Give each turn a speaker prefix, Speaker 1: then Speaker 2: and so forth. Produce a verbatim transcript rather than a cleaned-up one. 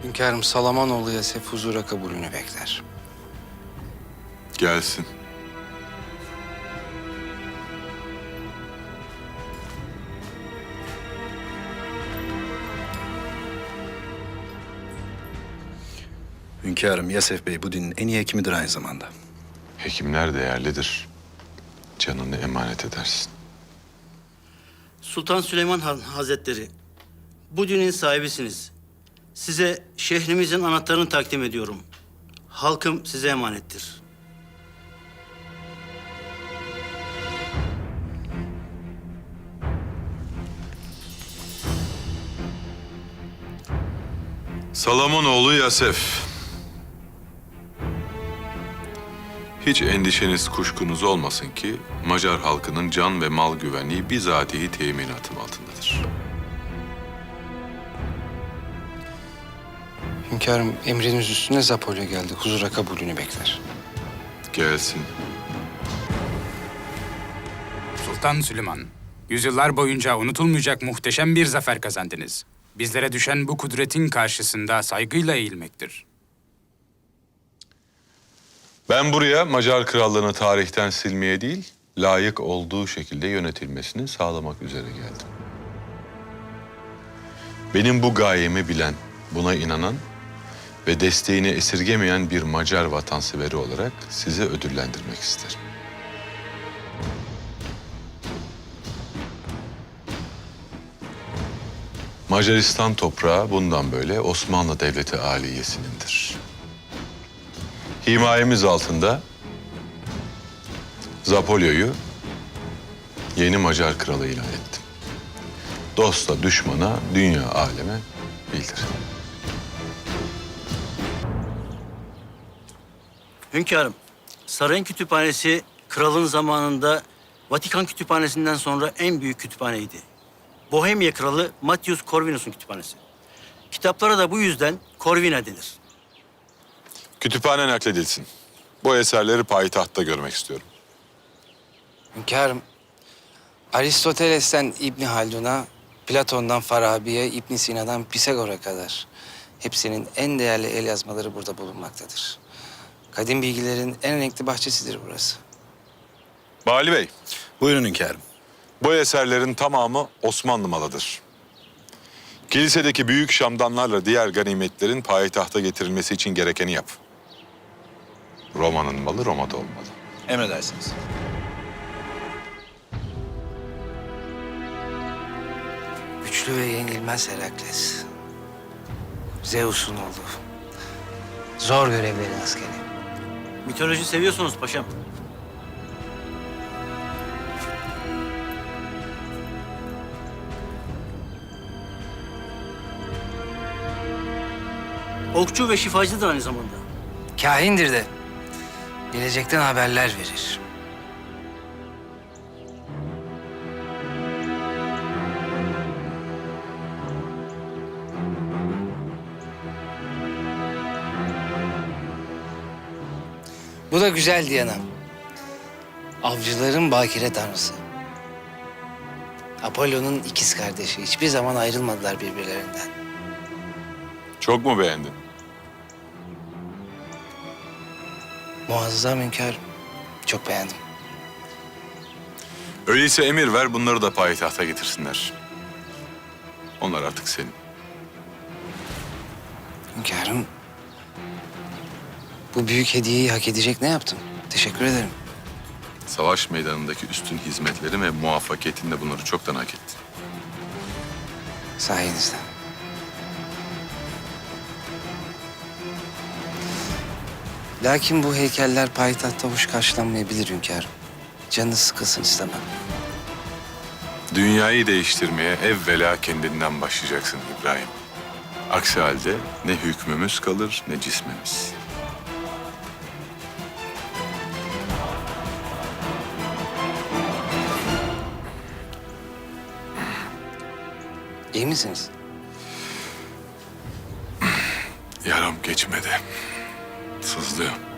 Speaker 1: Hünkârım Salamanoğlu Yasef huzura kabulünü bekler.
Speaker 2: Gelsin.
Speaker 3: Hünkârım, Yasef Bey bu dinin en iyi hekimidir aynı zamanda.
Speaker 2: Hekimler değerlidir. Canını emanet edersin.
Speaker 4: Sultan Süleyman Han Hazretleri, bu dinin sahibisiniz. Size şehrimizin anahtarını takdim ediyorum. Halkım size emanettir.
Speaker 2: Salamonoğlu Yasef. Hiç endişeniz, kuşkunuz olmasın ki Macar halkının can ve mal güvenliği bizatihi teminatım altındadır.
Speaker 1: Hünkârım emriniz üstüne Zapolya geldi. Huzura kabulünü bekler.
Speaker 2: Gelsin.
Speaker 5: Sultan Süleyman, yüzyıllar boyunca unutulmayacak muhteşem bir zafer kazandınız. Bizlere düşen bu kudretin karşısında saygıyla eğilmektir.
Speaker 2: Ben buraya Macar krallığını tarihten silmeye değil, layık olduğu şekilde yönetilmesini sağlamak üzere geldim. Benim bu gayemi bilen, buna inanan ve desteğini esirgemeyen bir Macar vatanseveri olarak sizi ödüllendirmek isterim. Macaristan toprağı bundan böyle Osmanlı Devleti Aliyesi'nindir. Himayemiz altında Zapolya'yı yeni Macar kralı ilan ettim. Dosta düşmana, dünya aleme bildir.
Speaker 4: Hünkârım, sarayın kütüphanesi kralın zamanında Vatikan kütüphanesinden sonra en büyük kütüphaneydi. Bohemya kralı Matthias Corvinus'un kütüphanesi. Kitaplara da bu yüzden Corvina denir.
Speaker 2: Kütüphane nakledilsin. Bu eserleri payitahtta görmek istiyorum.
Speaker 1: Hünkârım Aristoteles'ten İbni Haldun'a, Platon'dan Farabi'ye, İbn Sina'dan Pisagor'a kadar hepsinin en değerli el yazmaları burada bulunmaktadır. Kadim bilgilerin en renkli bahçesidir burası.
Speaker 2: Bali Bey,
Speaker 3: Buyurun hünkârım.
Speaker 2: bu eserlerin tamamı Osmanlı malıdır. Kilisedeki büyük şamdanlarla diğer ganimetlerin payitahta getirilmesi için gerekeni yap. Roma'nın malı Roma'da olmalı.
Speaker 3: Emredersiniz.
Speaker 1: Güçlü ve yenilmez Herakles. Zeus'un oğlu. Zor görevlerin askeri.
Speaker 4: Mitoloji seviyorsunuz paşam. Okçu ve şifacıdır aynı zamanda.
Speaker 1: Kahindir de. Gelecekten haberler verir. Bu da güzel Diana. Avcıların bakire tanrısı. Apollo'nun ikiz kardeşi. Hiçbir zaman ayrılmadılar birbirlerinden.
Speaker 2: Çok mu beğendin?
Speaker 1: Muazzam hünkârım. Çok beğendim.
Speaker 2: Öyleyse emir ver, bunları da payitahta getirsinler. Onlar artık senin.
Speaker 1: Hünkârım, bu büyük hediyeyi hak edecek ne yaptım? Teşekkür ederim.
Speaker 2: Savaş meydanındaki üstün hizmetlerin ve muvaffakiyetinle bunları çoktan hak ettin.
Speaker 1: Sayenizde. Lakin bu heykeller payitahtta hoş karşılanmayabilir hünkârım. Canınız sıkılsın istemem.
Speaker 2: Dünyayı değiştirmeye evvela kendinden başlayacaksın İbrahim. Aksi halde ne hükmümüz kalır ne cismimiz.
Speaker 1: İyi misiniz?
Speaker 2: Yaram geçmedi. Sızlıyor.